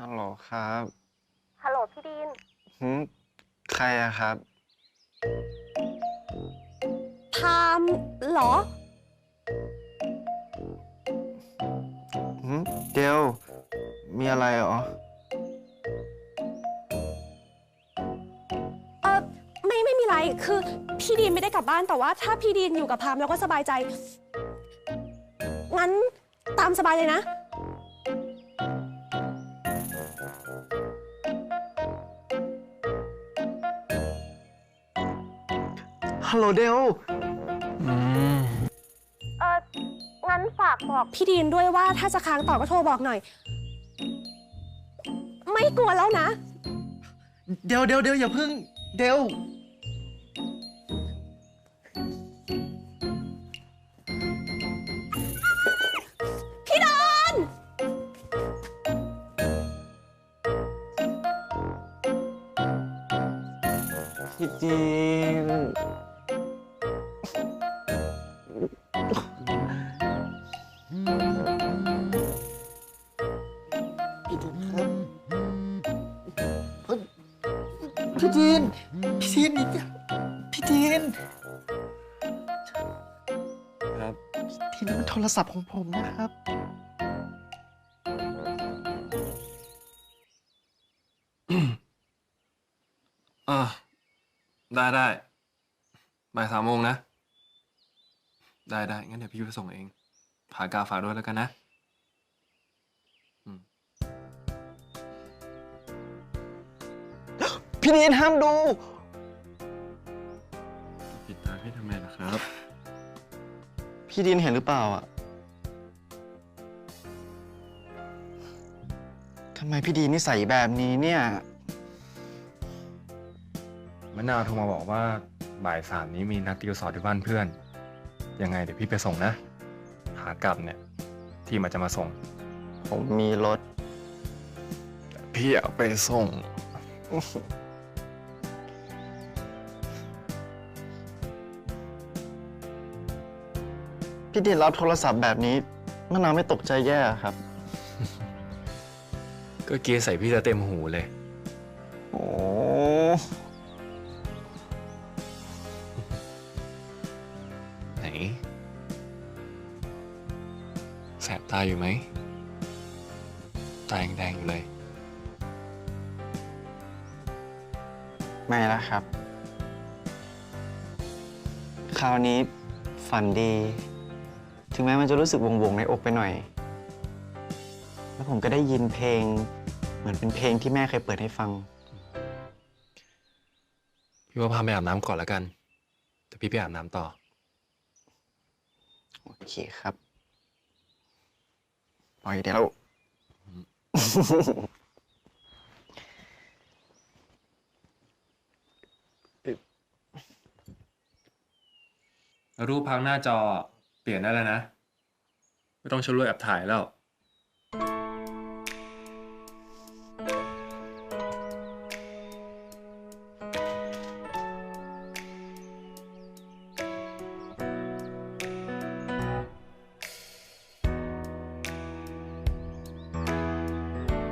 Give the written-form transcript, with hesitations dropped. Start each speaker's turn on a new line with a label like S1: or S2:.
S1: ฮัลโหลครับ
S2: ฮัลโหลพี่ดีน
S1: หืมใครอะครับ
S2: พามเหรอ
S1: หืมเดลมีอะไรเหรอ
S2: เออไม่มีไรคือพี่ดีนไม่ได้กลับบ้านแต่ว่าถ้าพี่ดีนอยู่กับพามแล้วก็สบายใจงั้นตามสบายเลยนะ
S1: ฮัลโหลเดล
S2: เอองั้นฝากบอกพี่ดีนด้วยว่าถ้าจะค้างต่อก็โทรบอกหน่อยไม่กลัวแล้วนะ
S1: เดลอย่าพึ่งเดล
S2: พี่ดอน
S1: พี่จีนพี่จีนครับพี่จีนพี่จีนครับทีนี้มันโทรศัพท์ของผมนะครับ
S3: อ่าได้บ่าย3 โมงนะได้งั้นเดี๋ยวพี่ไปส่งเองผากาฝากด้วยแล้วกันนะ
S1: พี่จีนห้ามดู
S3: ปิดตาพี่ทำไมล่ะครับ
S1: พี่ดินเห็นหรือเปล่าอ่ะทำไมพี่ดีนนิสัยแบบนี้เนี่ย
S3: มะนาวโทรมาบอกว่าบ่าย 3นี้มีนัดติวสอบที่บ้านเพื่อนยังไงเดี๋ยวพี่ไปส่งนะขากลับเนี่ยที่มันจะมาส่ง
S1: ผมมีรถ
S3: แต่พี่อยากไปส่ง
S1: พี่ดินรับโทรศัพท์แบบนี้มะนาวไม่ตกใจแย่ครับ
S3: ก็เกียร์ใส่พี่จะเต็มหูเลย
S1: โอ้
S3: ไหนแสบตาอยู่ไหมตาแดงๆอยู่เลย
S1: ไม่แล้วครับ คราวนี้ฝันดี ถึงแม้มันจะรู้สึกวงในอกไปหน่อย แล้วผมก็ได้ยินเพลงเหมือนเป็นเพลงที่แม่เคยเปิดให้ฟัง
S3: พี่ว่าพาไปอาบน้ำก่อนแล้วกันแต่พี่ไปอาบน้ำต่อ
S1: โอเคครับปล่อยเดี๋ยว
S3: รูปพักหน้าจอเปลี่ยนได้แล้วนะ ไม่ต้องใช้รูปแอบถ่ายแล้ว